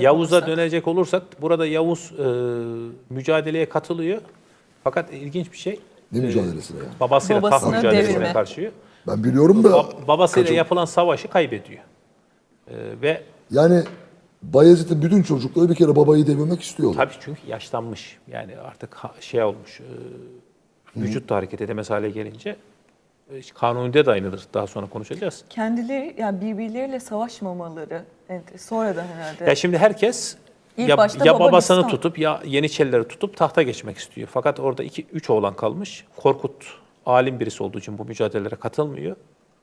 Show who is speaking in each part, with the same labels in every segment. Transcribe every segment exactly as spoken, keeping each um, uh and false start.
Speaker 1: Yavuz'a
Speaker 2: olursak.
Speaker 1: dönecek olursak burada Yavuz e, mücadeleye katılıyor. Fakat ilginç bir şey.
Speaker 3: Ne
Speaker 1: e,
Speaker 3: mücadelesine yani?
Speaker 1: Babasıyla taht
Speaker 2: Babasını
Speaker 1: mücadelesine
Speaker 2: devirme.
Speaker 1: karşı.
Speaker 3: Ben biliyorum da...
Speaker 1: Ba- babasıyla
Speaker 3: kaçın-
Speaker 1: yapılan savaşı kaybediyor. E, ve
Speaker 3: Yani Bayezid'in bütün çocukları bir kere babayı devirmek istiyorlar.
Speaker 1: tabii çünkü yaşlanmış. Yani artık ha- şey olmuş. E, vücut da hareket edemez hale gelince. E, Kanuni'de de aynıdır. Daha sonra konuşacağız.
Speaker 2: Kendileri yani birbirleriyle savaşmamaları ent- sonradan herhalde.
Speaker 1: Ya şimdi herkes
Speaker 2: İlk
Speaker 1: ya,
Speaker 2: başta
Speaker 1: ya
Speaker 2: baba
Speaker 1: babasını
Speaker 2: Bistan.
Speaker 1: tutup ya Yeniçerileri tutup tahta geçmek istiyor. Fakat orada iki üç oğlan kalmış. Korkut alim birisi olduğu için bu mücadelelere katılmıyor.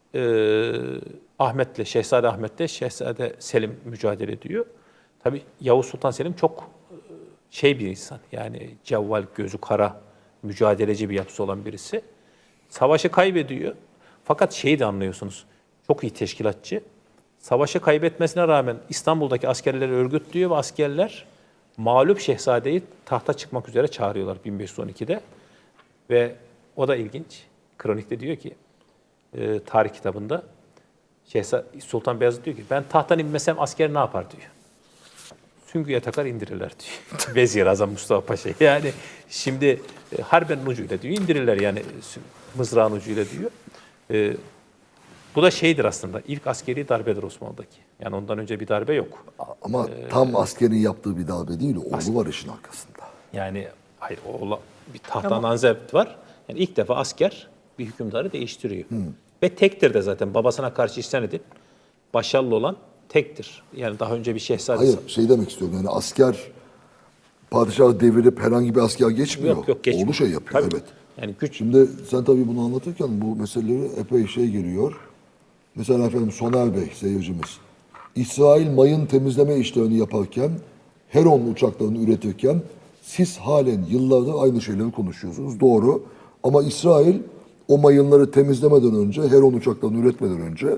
Speaker 1: Ee, Ahmet'le, Şehzade Ahmet'le Şehzade Selim mücadele ediyor. Tabii Yavuz Sultan Selim çok e, şey bir insan. Yani cevval, gözü kara, mücadeleci bir yapısı olan birisi. Savaşı kaybediyor. Fakat şeyi de anlıyorsunuz. Çok iyi teşkilatçı. Savaşı kaybetmesine rağmen İstanbul'daki askerleri örgütlüyor ve askerler mağlup şehzadeyi tahta çıkmak üzere çağırıyorlar bin beş yüz on ikide. Ve o da ilginç. Kronikte diyor ki, e, tarih kitabında Şehzade Sultan Beyazıt diyor ki ben tahttan inmesem asker ne yapar diyor. Süngüye takar indirirler diyor. Vezir Azam Mustafa Paşa. Yani şimdi e, harbenin ucuyla diyor indirirler yani sü- mızrağın ucuyla diyor. E, bu da şeydir aslında ilk askeri darbedir Osmanlı'daki. Yani ondan önce bir darbe yok.
Speaker 3: Ama tam askerin yaptığı bir darbe değil, oğlu var işin arkasında.
Speaker 1: Yani hayır o ola- bir tahttan anzept var. Yani ilk defa asker bir hükümdarı değiştiriyor. Ve tektir de zaten babasına karşı isyan edip başarılı olan tektir. Yani daha önce bir şehzade
Speaker 3: Hayır, şey demek istiyorum yani asker padişahı devirip herhangi bir asker geçmiyor.
Speaker 1: yok yok geçmiyor.
Speaker 3: Oğlu şey yapıyor,
Speaker 1: Tabii.
Speaker 3: evet.
Speaker 1: Yani güç
Speaker 3: Şimdi sen tabii bunu anlatırken bu meseleleri epey şey geliyor. Mesela efendim Soner Bey seyircimiz. İsrail mayın temizleme işlerini yaparken, Heron uçaklarını üretirken siz halen yıllardır aynı şeyleri konuşuyorsunuz. Doğru. Ama İsrail o mayınları temizlemeden önce, Heron uçaklarını üretmeden önce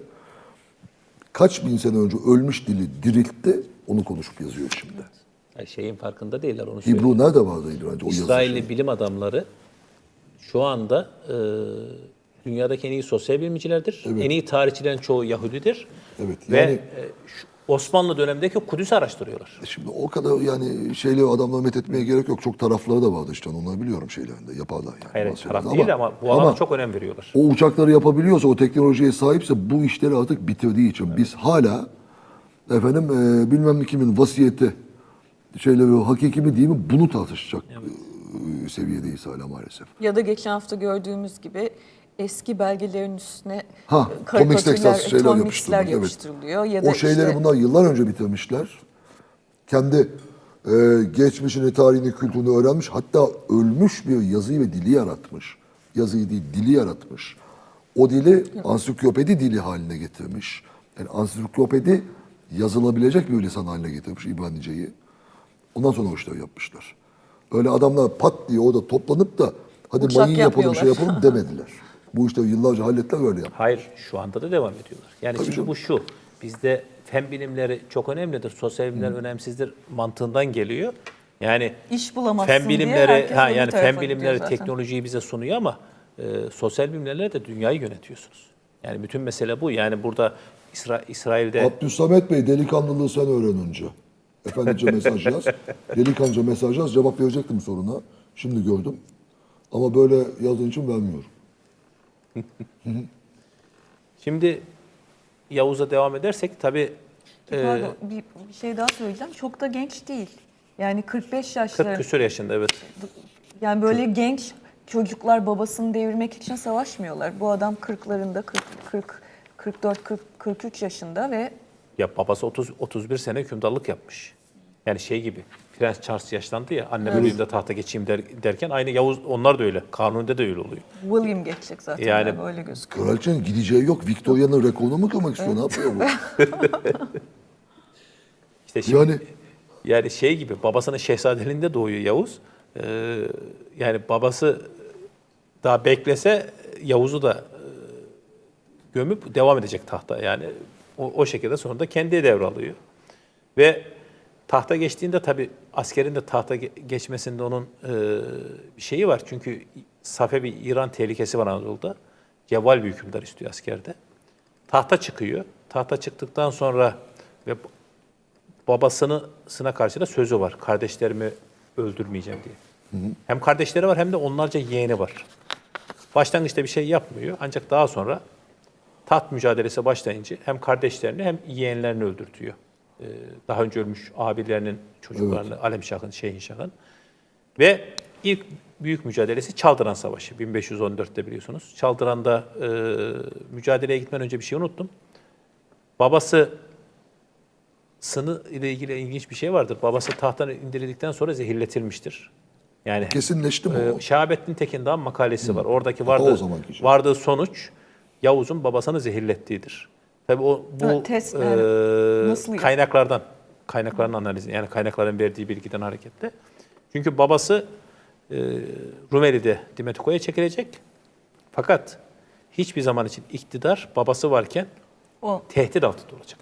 Speaker 3: kaç bin sene önce ölmüş dili diriltti. Onu konuşup yazıyor şimdi.
Speaker 1: yani şeyin farkında değiller onu söyleyeyim.
Speaker 3: Hibru nerede vardı bence o yazı?
Speaker 1: İsrailli bilim adamları şu anda e, dünyadaki en iyi sosyal bilimcilerdir.
Speaker 3: Evet.
Speaker 1: En iyi tarihçilerin çoğu Yahudidir.
Speaker 3: Evet,
Speaker 1: Ve
Speaker 3: yani-
Speaker 1: e, şu Osmanlı dönemindeki Kudüs'ü araştırıyorlar.
Speaker 3: Şimdi o kadar yani şeyleri adamları methetmeye gerek yok. Çok tarafları da vardı işte. Onları biliyorum şeylerinde. Yaparlar yani.
Speaker 1: Hayır,
Speaker 3: bazı
Speaker 1: taraf
Speaker 3: şeyleri.
Speaker 1: değil ama bu alana çok önem veriyorlar.
Speaker 3: O uçakları yapabiliyorsa, o teknolojiye sahipse bu işleri artık bitirdiği için biz hala efendim e, bilmem kimin vasiyeti şeyleri hakiki mi değil mi bunu tartışacak e, seviyedeyiz hala maalesef.
Speaker 2: Ya da geçen hafta gördüğümüz gibi eski belgelerin üstüne
Speaker 3: Ha,
Speaker 2: e,
Speaker 3: Comics Texas
Speaker 2: karikatürler,
Speaker 3: şeyler
Speaker 2: Comics'ler
Speaker 3: yapıştırmak, evet.
Speaker 2: yapıştırılıyor. Ya da
Speaker 3: O şeyleri
Speaker 2: işte,
Speaker 3: bunlar yıllar önce bitirmişler. Kendi e, geçmişini, tarihini, kültürünü öğrenmiş. Hatta ölmüş bir yazıyı ve dili yaratmış. Yazıyı değil, dili yaratmış. O dili ansiklopedi dili haline getirmiş. Yani ansiklopedi yazılabilecek bir lisan haline getirmiş İbranice'yi. Ondan sonra o işleri yapmışlar. Öyle adamlar pat diye orada toplanıp da hadi
Speaker 2: Uçak
Speaker 3: mayın yapalım, şey
Speaker 2: yapmıyorlar.
Speaker 3: yapalım demediler. Bu işleri yıllarca hallettiler, öyle yaptılar.
Speaker 1: Hayır, şu anda da devam ediyorlar. Yani
Speaker 3: Tabii
Speaker 1: şimdi
Speaker 3: canım.
Speaker 1: bu şu, bizde fen bilimleri çok önemlidir, sosyal bilimler önemsizdir mantığından geliyor. Yani
Speaker 2: İş bulamazsın
Speaker 1: fen
Speaker 2: diye
Speaker 1: bilimleri,
Speaker 2: herkes
Speaker 1: ha
Speaker 2: öbür
Speaker 1: yani
Speaker 2: tarafa
Speaker 1: fen
Speaker 2: gidiyor
Speaker 1: bilimleri
Speaker 2: zaten.
Speaker 1: teknolojiyi bize sunuyor ama e, sosyal bilimlerle de dünyayı yönetiyorsunuz. Yani bütün mesele bu. Yani burada İsra İsrail'de
Speaker 3: Abdülsamet Bey delikanlılığı sen öğren önce. Efendice mesaj yaz. Delikanlıca mesaj yaz. Cevap verecektim soruna. Şimdi gördüm. Ama böyle yazdığın için vermiyorum.
Speaker 1: şimdi Yavuz'a devam edersek tabii e,
Speaker 2: Pardon, bir, bir şey daha söyleyeceğim. Çok da genç değil. Yani kırk beş
Speaker 1: kırk
Speaker 2: yaşları.
Speaker 1: küsur yaşında evet.
Speaker 2: Yani böyle genç çocuklar babasını devirmek için savaşmıyorlar. Bu adam kırklarında, kırk, kırk, kırk dört, kırk, kırk üç yaşında ve
Speaker 1: Ya babası otuz otuz bir sene hükümdarlık yapmış. Yani şey gibi. Prens Charles yaşlandı ya. Annem öleyim de tahta geçeyim der, derken aynı Yavuz onlar da öyle. Kanuni'de de öyle oluyor.
Speaker 2: William geçecek zaten.
Speaker 1: Yani-
Speaker 2: Yani, böyle gözüküyor.
Speaker 3: Kraliçenin gideceği yok. Victoria'nın rekorunu mu kırmak istiyor? Ne yapıyor bu?
Speaker 1: İşte şimdi,
Speaker 3: Yani
Speaker 1: yani şey gibi babasının şehzadeliğinde doğuyor Yavuz. Ee, yani babası daha beklese Yavuz'u da e, gömüp devam edecek tahta. Yani o, o şekilde sonra da kendi devralıyor. Ve tahta geçtiğinde tabii askerin de tahta ge- geçmesinde onun e, bir şeyi var. Çünkü Safevi İran tehlikesi var Anadolu'da. Cevval bir hükümdar istiyor askerde. Tahta çıkıyor. Tahta çıktıktan sonra ve babasını sına karşı da sözü var. Kardeşlerimi öldürmeyeceğim diye. Hem kardeşleri var hem de onlarca yeğeni var. Başlangıçta bir şey yapmıyor ancak daha sonra taht mücadelesi başlayınca hem kardeşlerini hem yeğenlerini öldürtüyor. Ee, daha önce ölmüş abilerinin çocuklarını, evet. Alemşah'ın, Şehinşah'ın. Ve ilk büyük mücadelesi Çaldıran Savaşı. bin beş yüz on dörtte biliyorsunuz. Çaldıran'da e, mücadeleye gitmeden önce bir şey unuttum. Babası Sını ile ilgili ilginç bir şey vardır. Babası tahttan indirildikten sonra zehirletilmiştir. Yani
Speaker 3: Kesinleşti mi o?
Speaker 1: e, Şahabettin Tekin'den makalesi
Speaker 3: Hı.
Speaker 1: var. Oradaki
Speaker 3: O
Speaker 1: vardığı,
Speaker 3: zamanki şey.
Speaker 1: vardığı sonuç Yavuz'un babasını zehirlettiğidir. Tabii o bu
Speaker 2: Ha, test,
Speaker 1: e,
Speaker 2: yani nasıl
Speaker 1: kaynaklardan kaynakların analizi yani kaynakların verdiği bilgiden hareketle. Çünkü babası e, Rumeli'de Dimetikova'ya çekilecek. Fakat hiçbir zaman için iktidar babası varken
Speaker 2: O
Speaker 1: tehdit altında olacak.